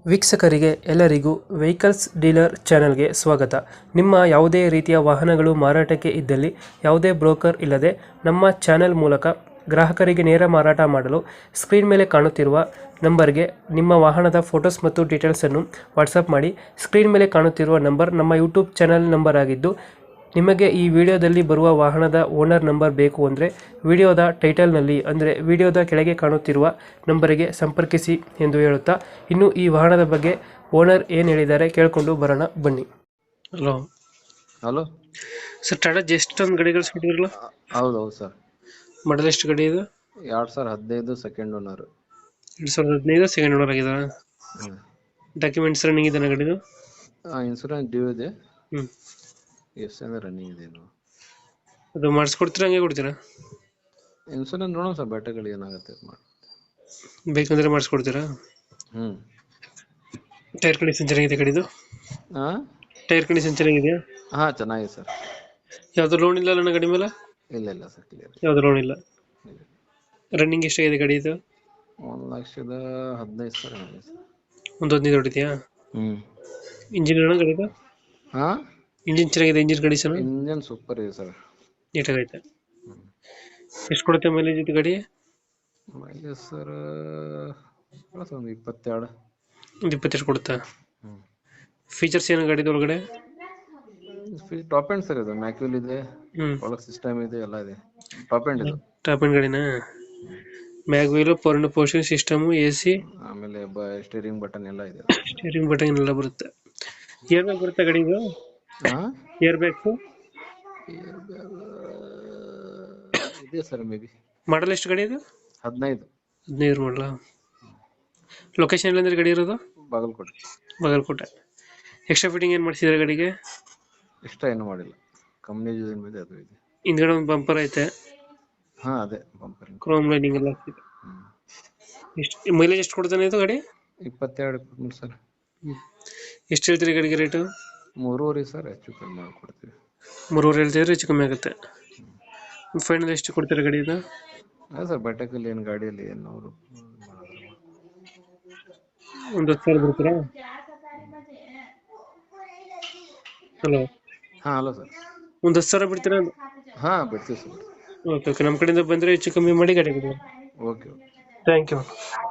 ವೀಕ್ಷಕರಿಗೆ ಎಲ್ಲರಿಗೂ vehicles dealer ಚಾನೆಲ್ಗೆ ಸ್ವಾಗತ. ನಿಮ್ಮ ಯಾವುದೇ ರೀತಿಯ ವಾಹನಗಳು ಮಾರಾಟಕ್ಕೆ ಇದ್ದಲ್ಲಿ ಯಾವುದೇ ಬ್ರೋಕರ್ ಇಲ್ಲದೆ ನಮ್ಮ ಚಾನೆಲ್ ಮೂಲಕ ಗ್ರಾಹಕರಿಗೆ ನೇರ ಮಾರಾಟ ಮಾಡಲು ಸ್ಕ್ರೀನ್ ಮೇಲೆ ಕಾಣುತ್ತಿರುವ ನಂಬರ್ಗೆ ನಿಮ್ಮ ವಾಹನದ ಫೋಟೋಸ್ ಮತ್ತು ಡೀಟೇಲ್ಸನ್ನು ವಾಟ್ಸಪ್ ಮಾಡಿ. ಸ್ಕ್ರೀನ್ ಮೇಲೆ ಕಾಣುತ್ತಿರುವ ನಂಬರ್ ನಮ್ಮ ಯೂಟ್ಯೂಬ್ ಚಾನೆಲ್ ನಂಬರ್ ಆಗಿದ್ದು, ನಿಮಗೆ ಈ ವಿಡಿಯೋದಲ್ಲಿ ಬರುವ ವಾಹನದ ಓನರ್ ನಂಬರ್ ಬೇಕು ಅಂದರೆ ವಿಡಿಯೋದ ಟೈಟಲ್ನಲ್ಲಿ ಅಂದರೆ ವಿಡಿಯೋದ ಕೆಳಗೆ ಕಾಣುತ್ತಿರುವ ನಂಬರಿಗೆ ಸಂಪರ್ಕಿಸಿ ಎಂದು ಹೇಳುತ್ತಾ, ಇನ್ನು ಈ ವಾಹನದ ಬಗ್ಗೆ ಓನರ್ ಏನು ಹೇಳಿದ್ದಾರೆ ಕೇಳಿಕೊಂಡು ಬರೋಣ ಬನ್ನಿ. Hello hello sir, Tata just ಒಂದು ಗಾಡಿ ಕಳಿಸ್ಬಿಟ್ಟಿರಲ್ಲ, ಹೌದೌದು ಸರ್. ಮಾಡಲ್ ಎಷ್ಟು ಗಾಡಿ ಇದು? 2015 ಸೆಕೆಂಡ್ ಓನರ್. 2015 ಸೆಕೆಂಡ್ ಓನರ್ ಆಗಿದ. ಡಾಕ್ಯುಮೆಂಟ್ಸ್ ರನ್ನಿಂಗ್ ಇದೆ ಗಾಡಿದು? ಇನ್ಸೂರೆನ್ಸ್ ಡ್ಯೂ ಇದೆ. ಹ್ಞೂ, ಎಷ್ಟು ಅಂದ್ರೆ ರನ್ನಿಂಗ್ ಇದೆ ಇನ್ನು. ಅದು ಮಾಡಿಸ್ಕೊಡ್ತೀರಾ ಹಂಗೆ ಕೊಡ್ತೀರಾ? ಇನ್ಸೂರೆನ್ಸ್ ನೋಡೋಣ ಸರ್, ಬೆಟ್ಟಗಳು ಏನಾಗುತ್ತೆ ಮಾಡಿ. ಬೇಕಂದ್ರೆ ಮಾಡಿಸ್ಕೊಡ್ತೀರಾ? ಟೈರ್ ಕಂಡೀಷನ್ ಚೆನ್ನಾಗಿದೆ ಗಾಡಿದು? ಹಾಂ ಟೈರ್ ಕಂಡೀಷನ್ ಚೆನ್ನಾಗಿದೆಯಾ? ಹಾಂ ಚೆನ್ನಾಗಿದೆ ಸರ್. ಯಾವ್ದು ಲೋನ್ ಇಲ್ಲ ನನ್ನ ಗಾಡಿ ಮೇಲೆ? ಇಲ್ಲ ಇಲ್ಲ ಸರ್, ಕ್ಲಿಯರ್. ಯಾವ್ದು ಲೋನ್ ಇಲ್ಲ. ರನ್ನಿಂಗ್ ಎಷ್ಟಾಗಿದೆ ಗಾಡಿ ಇದು? 1,15,000 ಸರ್. ಒಂದು 15 ಹೊಡಿದ್ಯಾ? ಇಂಜಿನ್ ಏನೋ ಗಾಡಿದು? ಹಾಂ, ಇಂಜಿನ್ ಚೆನ್ನಾಗಿದೆ. ಇಂಜಿನ್ ಕಂಡೀಷನ್ ಇಂಜನ್ ಸೂಪರ್ ಇದೆ ಸರ್. ನೀಟಾಗೈತೆ. ಎಷ್ಟು ಕೊಡುತ್ತೆ ಮೈಲೇಜ್ ಇದು ಗಾಡಿ? ಮೈಲೇಜ್ ಸರ್ ಒಂದು 22. ಒಂದು 22 ಕೊಡುತ್ತಾ? ಫೀಚರ್ಸ್ ಏನು ಗಾಡಿದು ಒಳಗಡೆ? ಟಾಪ್ ಎಂಡ್ ಸರ್, ಇದು ಮ್ಯಾಕ್ಯೂಲ್ ಇದೆ, ಒಳಗೆ ಸಿಸ್ಟಮ್ ಇದೆ, ಎಲ್ಲ ಇದೆ. ಟಾಪ್ ಎಂಡ್ ಇದು. ಟಾಪ್ ಎಂಡ್ ಗಾಡಿನಾ? Mag wheel, power portion system, AC, ಆಮೇಲೆ ಸ್ಟೀರಿಂಗ್ ಬಟನ್ ಎಲ್ಲ ಇದೆ. ಸ್ಟೀರಿಂಗ್ ಬಟನ್ ಎಲ್ಲ ಬರುತ್ತೆ. ಏರ್ ಬ್ಯಾಗ್ ಬರುತ್ತೆ ಗಾಡಿದು? ಹಾಂ, ಏರ್ ಬ್ಯಾಗ್ಸು ಇದೆ ಸರ್. Maybe. ಮಾಡಲ್ ಎಷ್ಟು ಗಾಡಿ ಇದು? 15 ಮಾಡಲ. ಲೊಕೇಶನ್ ಎಲ್ಲಂದ್ರೆ ಗಾಡಿ ಇರೋದು? ಬಾಗಲಕೋಟೆ. ಬಾಗಲಕೋಟೆ. ಎಕ್ಸ್ಟ್ರಾ ಫಿಟ್ಟಿಂಗ್ ಏನು ಮಾಡಿಸಿದ್ರೆ ಗಾಡಿಗೆ? ಇಷ್ಟ ಏನು ಮಾಡಿಲ್ಲ, ಕಂಪ್ನಿ ಯೂಸ್ ಮೇಲೆ ಅದು ಇದೆ. ಹಿಂದ್ಗಡೆ ಒಂದು ಬಂಪರ್ ಐತೆ. ಹಾಂ, ಅದೇ ಬಂಪರ್ ಕ್ರೋಮ್ ಲೈನಿಂಗ್ ಎಲ್ಲ ಆಗ್ತಿದೆ. ಎಷ್ಟು ಮೈಲೇಜ್ ಎಷ್ಟು ಕೊಡ್ತಾನೆ ಇದು ಗಾಡಿ? 22 ಸರ್. ಎಷ್ಟು ಹೇಳ್ತೀರಿ ಗಾಡಿಗೆ ರೇಟು? 3.5 ಸರ್, ಹೆಚ್ಚು ಕಮ್ಮಿ ಮಾಡಿಕೊಡ್ತೀವಿ. 3.5 ಹೇಳ್ತಿದ್ರೆ ಹೆಚ್ಚು ಕಮ್ಮಿ ಆಗುತ್ತೆ. ಫೈನಲ್ ಎಷ್ಟು ಕೊಡ್ತೀರಾ ಗಾಡಿ ಇದು? ಹಾಂ ಸರ್, ಬೆಟ್ಟಕಲ್ಲಿ ಏನು ಗಾಡಿಯಲ್ಲಿ ಏನು ಅವರು ಒಂದು 10,000 ಬಿಡ್ತೀರಾ? ಹಲೋ. ಹಾಂ, ಹಲೋ ಸರ್. ಒಂದು 10,000 ಬಿಡ್ತೀರಾ? ಹಾಂ, ಬಿಡ್ತೀವಿ ಸರ್. ಓಕೆ ಓಕೆ, ನಮ್ಮ ಕಡೆಯಿಂದ ಬಂದರೆ ಹೆಚ್ಚು ಕಮ್ಮಿ ಮಾಡಿ ಗಾಡಿ ಕೊಡಿ. Okay okay. Thank you.